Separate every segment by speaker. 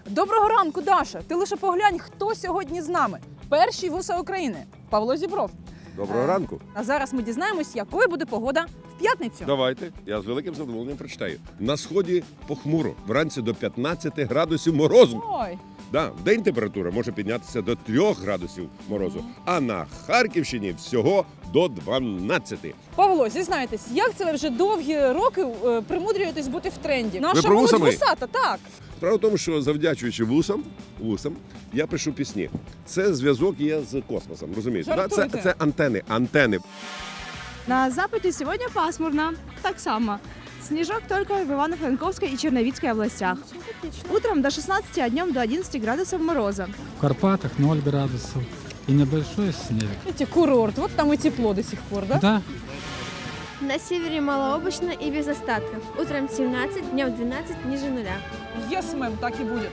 Speaker 1: Доброго ранку, Даша! Ти лише поглянь, хто сьогодні з нами. Перший вуса України – Павло Зібров.
Speaker 2: Доброго ранку.
Speaker 1: А зараз ми дізнаємось, якою буде погода в п'ятницю.
Speaker 2: Давайте, я з великим задоволенням прочитаю. На сході похмуро, вранці до 15 градусів морозу.
Speaker 1: Ой,
Speaker 2: Да, вдень температура може піднятися до 3 градусів морозу, а на Харківщині всього до 12.
Speaker 1: Павло, зізнайтесь, як це ви вже довгі роки примудрюєтесь бути в тренді? Наша
Speaker 2: про
Speaker 1: молодь
Speaker 2: вусами?
Speaker 1: вусата, так.
Speaker 2: Справа в тому, що завдячуючи вусам, я пишу пісні. Це зв'язок є з космосом, розумієте? Да?
Speaker 1: Жартуйте.
Speaker 2: Це антени.
Speaker 3: На западе сегодня пасмурно, так само. Снежок только в Ивано-Франковской и Черновицкой областях. Утром до 16, а днем до 11 градусов мороза.
Speaker 4: В Карпатах 0 градусов и небольшой снег.
Speaker 1: Видите, курорт, вот там и тепло до сих пор, да?
Speaker 4: Да,
Speaker 5: На севере малооблачно и без остатков. Утром 17, днем 12, ниже нуля.
Speaker 1: Yes, мэм, так и будет.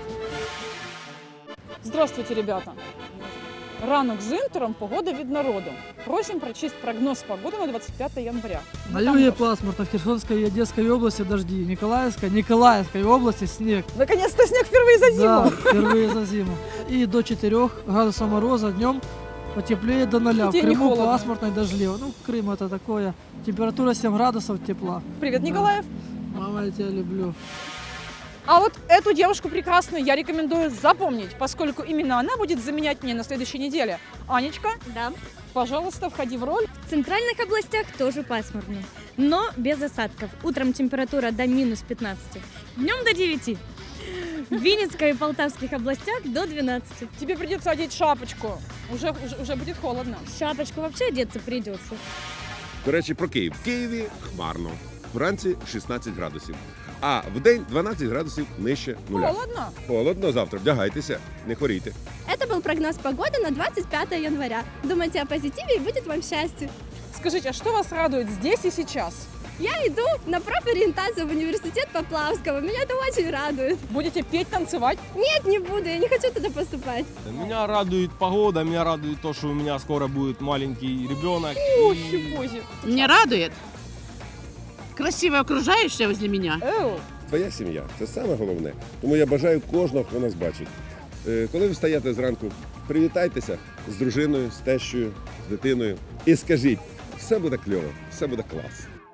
Speaker 1: Здравствуйте, ребята. Ранок з інтером, погода від народу. Просим прочесть прогноз погоди на 25 января.
Speaker 6: На юге пасмурно, в Херсонской и Одесской области дожди, Николаевской области снег.
Speaker 1: Наконец-то снег впервые за зиму.
Speaker 6: Да, впервые за зиму. И до 4 градусов мороза днем потеплее до 0. В
Speaker 1: День не
Speaker 6: Крыму
Speaker 1: холодно.
Speaker 6: пасмурно и дождливо. Ну, Крым это такое. Температура 7 градусов тепла.
Speaker 1: Привет, Николаев.
Speaker 6: Мама, я тебя люблю.
Speaker 1: А вот эту девушку прекрасную я рекомендую запомнить, поскольку именно она будет заменять мне на следующей неделе. Анечка,
Speaker 5: Да.
Speaker 1: пожалуйста, входи в роль.
Speaker 5: В центральных областях тоже пасмурно, но без осадков. Утром температура до минус 15, днем до 9. В Винницкой и Полтавских областях до 12.
Speaker 1: Тебе придется одеть шапочку. Уже будет холодно.
Speaker 5: Шапочку вообще одеться придется.
Speaker 2: До речі, про Київ. В Києві хмарно. Вранці 16 градусів. А вдень 12 градусів нижче нуля.
Speaker 1: Холодно.
Speaker 2: Холодно завтра. Вдягайтеся, не хворійте.
Speaker 5: Это был прогноз погоды на 25 января. Думайте о позитиве и будет вам счастье.
Speaker 1: Скажите, а что вас радует здесь и сейчас?
Speaker 5: Я иду на профориентацию в университет Поплавского. Меня это очень радует.
Speaker 1: Будете петь, танцевать?
Speaker 5: Нет, не буду, я не хочу туда поступать.
Speaker 7: Меня радует погода, меня радует то, что у меня скоро будет маленький ребенок.
Speaker 1: Ох,
Speaker 7: И
Speaker 1: хипози.
Speaker 8: Меня радует красивое окружающее возле меня.
Speaker 1: Эу.
Speaker 2: Твоя сім'я – це саме головне. Тому я бажаю кожного, хто нас бачить. Коли ви встаєте зранку, привітайтеся з дружиною, з тещою, з дитиною і скажіть, все буде кльово, все буде клас.